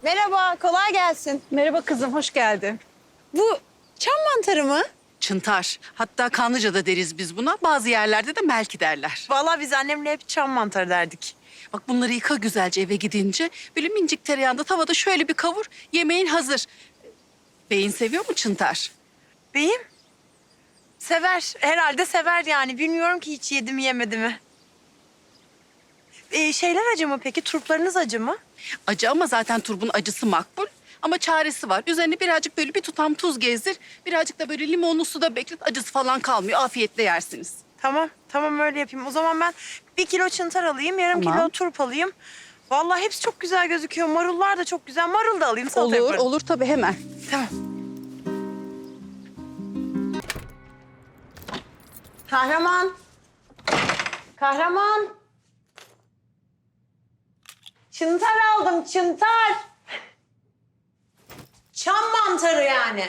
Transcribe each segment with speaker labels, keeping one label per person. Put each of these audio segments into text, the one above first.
Speaker 1: Merhaba, kolay gelsin.
Speaker 2: Merhaba kızım, hoş geldin.
Speaker 1: Bu çam mantarı mı?
Speaker 2: Çıntar. Hatta Kanlıca'da deriz biz buna. Bazı yerlerde de melki derler.
Speaker 1: Vallahi biz annemle hep çam mantarı derdik.
Speaker 2: Bak bunları yıka güzelce eve gidince. Böyle mincik tereyağında tavada şöyle bir kavur. Yemeğin hazır. Beyin seviyor mu çıntar?
Speaker 1: Beyim? Sever. Herhalde sever yani. Bilmiyorum ki hiç yedi mi yemedi mi. Şeyler acı mı peki? Turplarınız acı mı?
Speaker 2: Acı ama zaten turbun acısı makbul. Ama çaresi var. Üzerine birazcık böyle bir tutam tuz gezdir. Birazcık da böyle limonlu suda beklet. Acısı falan kalmıyor. Afiyetle yersiniz.
Speaker 1: Tamam, tamam öyle yapayım. O zaman ben 1 kilo çıntar alayım, yarım
Speaker 2: Tamam.
Speaker 1: kilo turp alayım. Vallahi hepsi çok güzel gözüküyor. Marullar da çok güzel. Marul da alayım, salata
Speaker 2: Olur,
Speaker 1: yaparım.
Speaker 2: olur tabii hemen.
Speaker 1: Tamam. Kahraman. Kahraman. Çıntar aldım, çıntar. Çam mantarı yani.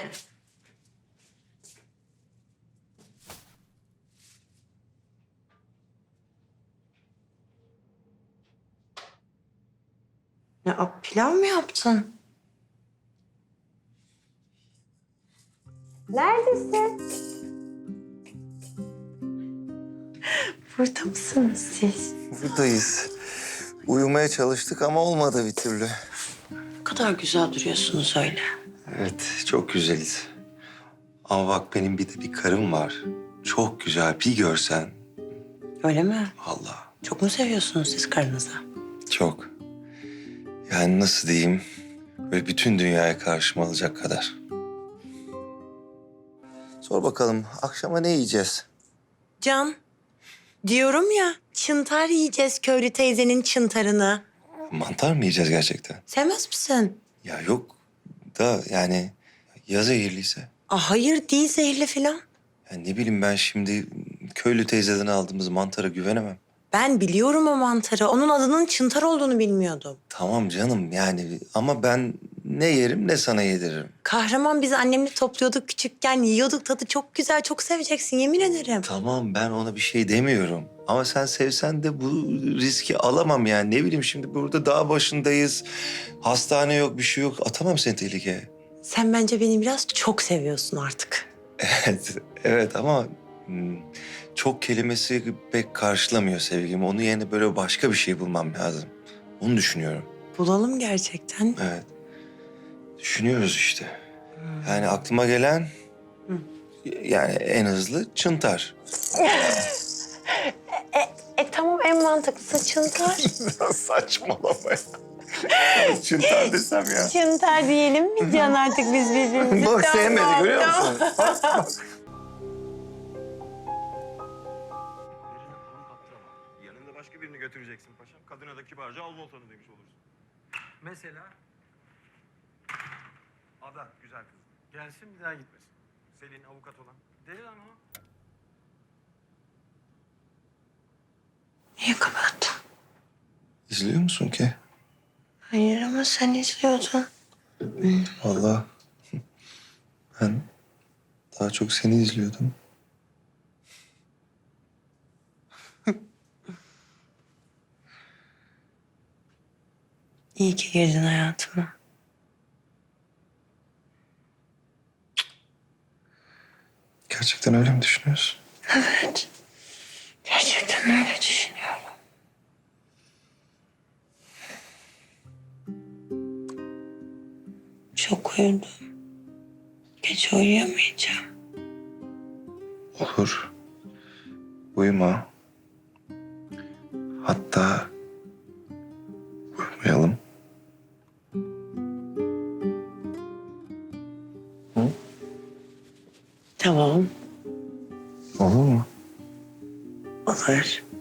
Speaker 1: Ya pilav mı yaptın? Neredesin? Burada mısınız siz?
Speaker 3: Buradayız. Uyumaya çalıştık ama olmadı bir türlü.
Speaker 1: Ne kadar güzel duruyorsunuz öyle.
Speaker 3: Evet, çok güzeliz. Ama bak benim bir de bir karım var. Çok güzel, bir görsen.
Speaker 1: Öyle mi?
Speaker 3: Allah,
Speaker 1: Çok mu seviyorsunuz siz karınızı?
Speaker 3: çok. Yani nasıl diyeyim, böyle bütün dünyaya karşıma alacak kadar. Sor bakalım, akşama ne yiyeceğiz?
Speaker 1: Can, diyorum ya, çıntar yiyeceğiz köylü teyzenin çıntarını.
Speaker 3: Mantar mı yiyeceğiz gerçekten?
Speaker 1: Sevmez misin?
Speaker 3: Ya yok da yani ya zehirliyse?
Speaker 1: Hayır değil, zehirli falan.
Speaker 3: Ya ne bileyim ben şimdi köylü teyzeden aldığımız mantara güvenemem.
Speaker 1: Ben biliyorum o mantarı. Onun adının çıntar olduğunu bilmiyordum.
Speaker 3: Tamam canım yani ama ben ne yerim ne sana yediririm.
Speaker 1: Kahraman, biz annemle topluyorduk küçükken. Yiyorduk, tadı çok güzel. Çok seveceksin, yemin ederim.
Speaker 3: Tamam ben ona bir şey demiyorum. Ama sen sevsen de bu riski alamam yani. Ne bileyim şimdi burada dağ başındayız. Hastane yok, bir şey yok. Atamam seni tehlikeye.
Speaker 1: Sen bence beni biraz çok seviyorsun artık.
Speaker 3: Evet, evet ama çok kelimesi pek karşılamıyor sevgimi. Onun yerine böyle başka bir şey bulmam lazım. Onu düşünüyorum.
Speaker 1: Bulalım gerçekten.
Speaker 3: Evet. Düşünüyoruz işte. Yani aklıma gelen yani en hızlı çıntar.
Speaker 1: Tamam, en mantıklısı çıntar.
Speaker 3: Saçmalama ya. Çıntar desem ya.
Speaker 1: Çıntar diyelim mi Can, artık biz birbirimizi?
Speaker 3: Bak sevmedi
Speaker 1: Tamam,
Speaker 3: görüyor
Speaker 1: tamam.
Speaker 3: musun?
Speaker 4: Yanında başka birini götüreceksin paşam. Kadına da kibarca al voltanı demiş olursun. Mesela Ada güzel kız. Gelsin bir daha gitmesin. Selin avukat olan. Deli lan o.
Speaker 1: Niye kapattın?
Speaker 3: İzliyor musun ki?
Speaker 1: Hayır ama sen izliyordun.
Speaker 3: Vallahi ben daha çok seni izliyordum.
Speaker 1: İyi ki girdin hayatıma.
Speaker 3: Gerçekten öyle mi düşünüyorsun?
Speaker 1: Evet. Gerçekten öyle düşünüyorum. Çok uyudum. Gece uyuyamayacağım.
Speaker 3: Olur. Uyuma. Hatta uyumayalım.
Speaker 1: Tamam.
Speaker 3: Olur mu?
Speaker 1: Olur.